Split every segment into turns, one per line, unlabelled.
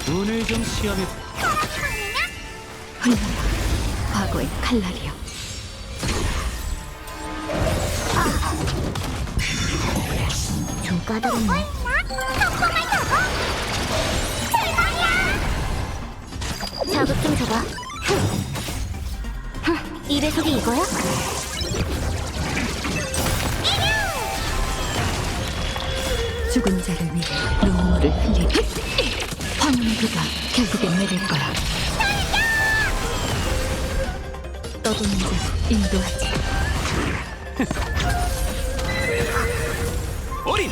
오늘 좀 시험해.
흘러라 과거의 칼날이여.
좀 까다롭네. 자극 좀 줘봐. 이 배속이 이거야?
죽은 자를 위해 눈물을 흘리리. 황혼의 비가 결국엔 내릴 거야. 떠도는 자를 인도하지.
어린!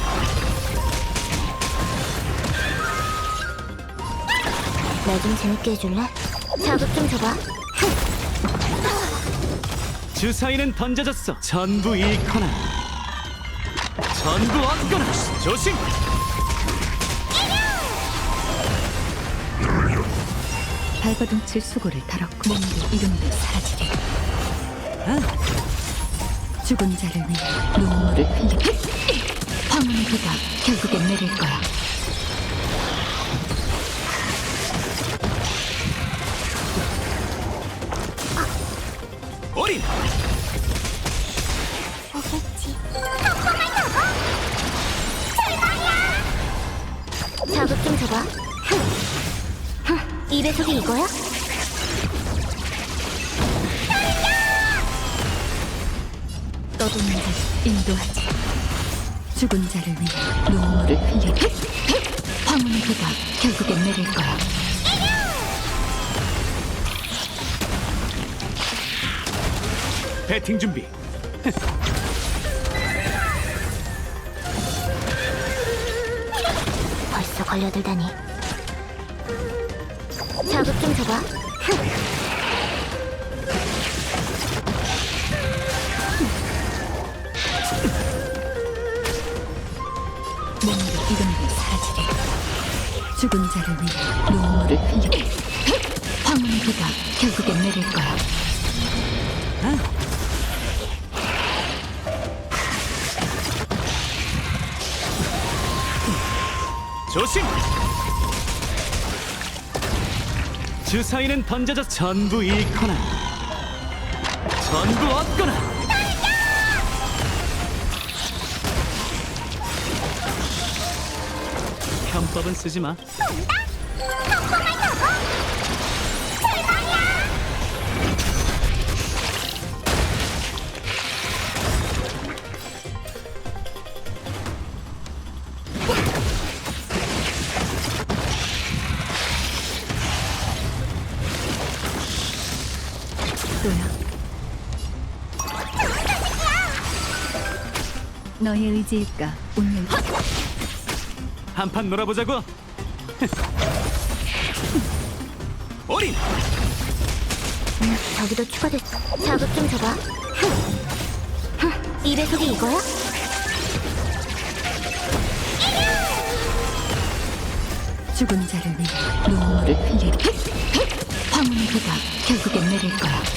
나 좀 재밌게 해줄래? 자극 좀 줘봐.
주사위는 던져졌어. 전부 잃거나 전부 얻거나. 조심!
발버둥칠 수고를 달았고 몸도 이름도 사라지리. 죽은 자를 위해 눈물을 흘리리. 황혼의 비가 결국엔 내릴 거야.
어린!
오겠지. 자극 좀 줘봐. 이 배속이 이거야?
떠도는 자를 인도하지. 죽은 자를 위해 눈물을 흘리리. 황혼의 비가 결국엔 내릴 거야.
배팅 준비.
벌써 걸려들다니. 자극 좀 줘봐.
몸도 이름도 사라지리. 죽은 자를 위해 눈물을 흘리리. 황혼의 비가 결국엔 내릴 거야.
조심! 주사위는 던져져 전부 잃거나 전부 얻거나. 편법은 쓰지 마.
또야. 너의 의지일까 운명.
한판 놀아보자고. 어린!
저기도 추가됐어. 자극 좀 줘봐. 이 배속이 이거야?
죽은 자를 위해 눈물을 흘리리. 황혼의 비가 결국엔 내릴 거야.